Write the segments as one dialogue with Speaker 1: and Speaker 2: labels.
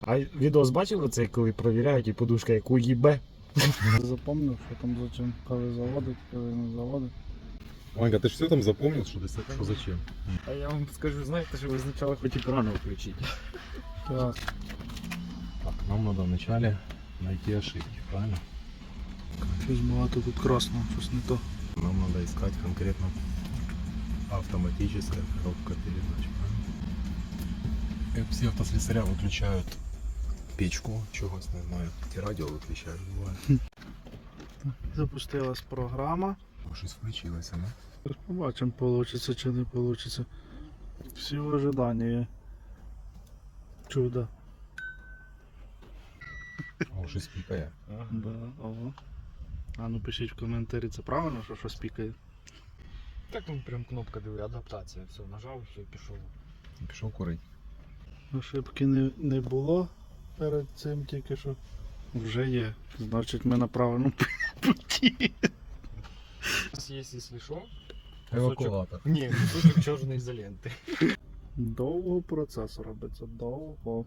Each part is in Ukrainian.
Speaker 1: А відос бачили це, коли перевіряють і подушка яку їбе?
Speaker 2: Запомнив, що там зачем, коли заводить, коли не заводить.
Speaker 3: Ванька, ты же все там запомнил, что зачем?
Speaker 1: А я вам скажу, знаєте, що ви спочатку хоч екрану включити.
Speaker 2: Так,
Speaker 3: Так, нам надо вначале найти ошибки, правильно?
Speaker 2: щось багато тут красного, щось не то.
Speaker 3: Нам надо искать конкретно автоматическая коробка передач, правильно? Как все автослесаря выключают печку, чогось не знаю, ті радіо виключають, буває.
Speaker 2: Запустилась програма.
Speaker 3: Щось включилося, не?
Speaker 2: Зараз побачимо, вийде чи не вийде. Всі в ожиданні. Чудо.
Speaker 3: О, щось пікає.
Speaker 2: Да, ого. А ну пишіть в коментарі, це правильно, що щось пікає?
Speaker 1: Так там прям кнопка диви, адаптація. Все, нажав, все, пішов.
Speaker 3: Пішов курить.
Speaker 2: Ошибки не було перед цим тільки що. Вже є. Значить ми на правильному путі.
Speaker 1: У нас є, якщо що,
Speaker 3: Евакуатор.
Speaker 1: ні, кусочок чорної ізоленти.
Speaker 2: Довго процес робиться, довго.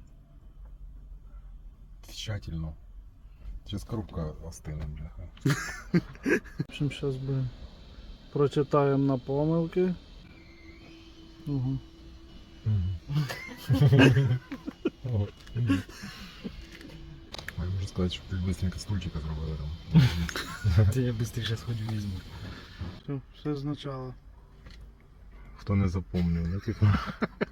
Speaker 3: Тщательно. Сейчас коробка остине, бляха.
Speaker 2: В общем, зараз би прочитаємо на помилки. Угу.
Speaker 3: Я можу сказати, щоб ти быстренько стульчика зробили там.
Speaker 1: Це я швидше сходжу візьму.
Speaker 2: Все спочатку.
Speaker 3: Хто не запомнив, да, типа?